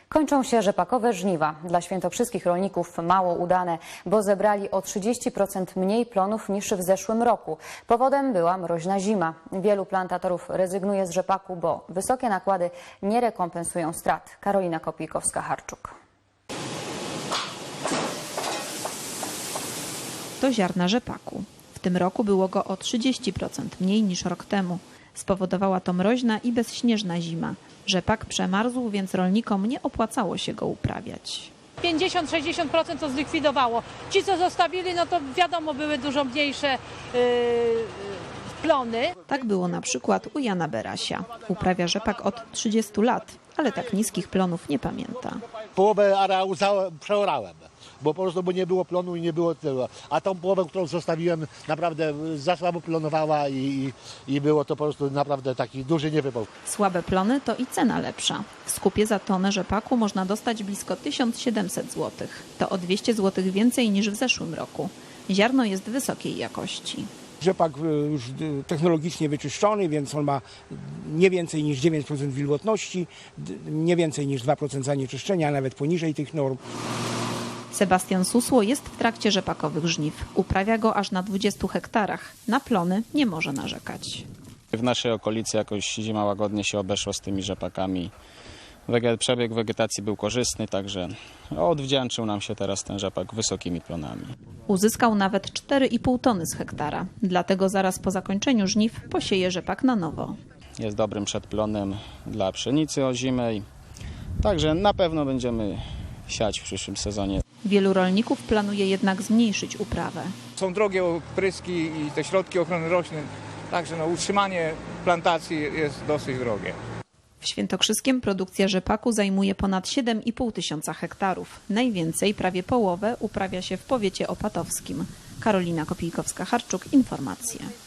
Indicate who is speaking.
Speaker 1: Kończą się rzepakowe żniwa. Dla świętokrzyskich rolników mało udane, bo zebrali o 30% mniej plonów niż w zeszłym roku. Powodem była mroźna zima. Wielu plantatorów rezygnuje z rzepaku, bo wysokie nakłady nie rekompensują strat. Karolina Kopijkowska-Harczuk.
Speaker 2: To ziarna rzepaku. W tym roku było go o 30% mniej niż rok temu. Spowodowała to mroźna i bezśnieżna zima. Rzepak przemarzł, więc rolnikom nie opłacało się go uprawiać.
Speaker 3: 50–60% to zlikwidowało. Ci, co zostawili, no to wiadomo, były dużo mniejsze plony.
Speaker 2: Tak było na przykład u Jana Berasia. Uprawia rzepak od 30 lat, ale tak niskich plonów nie pamięta.
Speaker 4: Połowę areału przeorałem, bo po prostu nie było plonu i nie było tylu. A tą połowę, którą zostawiłem, naprawdę za słabo plonowała i było to po prostu naprawdę taki duży niewypał.
Speaker 2: Słabe plony to i cena lepsza. W skupie za tonę rzepaku można dostać blisko 1700 zł. To o 200 zł więcej niż w zeszłym roku. Ziarno jest wysokiej jakości.
Speaker 5: Rzepak już technologicznie wyczyszczony, więc on ma nie więcej niż 9% wilgotności, nie więcej niż 2% zanieczyszczenia, a nawet poniżej tych norm.
Speaker 2: Sebastian Susło jest w trakcie rzepakowych żniw. Uprawia go aż na 20 hektarach. Na plony nie może narzekać.
Speaker 6: W naszej okolicy jakoś zima łagodnie się obeszła z tymi rzepakami. Przebieg wegetacji był korzystny, także odwdzięczył nam się teraz ten rzepak wysokimi plonami.
Speaker 2: Uzyskał nawet 4,5 tony z hektara. Dlatego zaraz po zakończeniu żniw posieje rzepak na nowo.
Speaker 6: Jest dobrym przedplonem dla pszenicy ozimej, także na pewno będziemy siać w przyszłym sezonie.
Speaker 2: Wielu rolników planuje jednak zmniejszyć uprawę.
Speaker 7: Są drogie opryski i te środki ochrony roślin, także utrzymanie plantacji jest dosyć drogie.
Speaker 2: W Świętokrzyskiem produkcja rzepaku zajmuje ponad 7,5 tysiąca hektarów. Najwięcej, prawie połowę, uprawia się w powiecie opatowskim. Karolina Kopijkowska-Harczuk, informacje.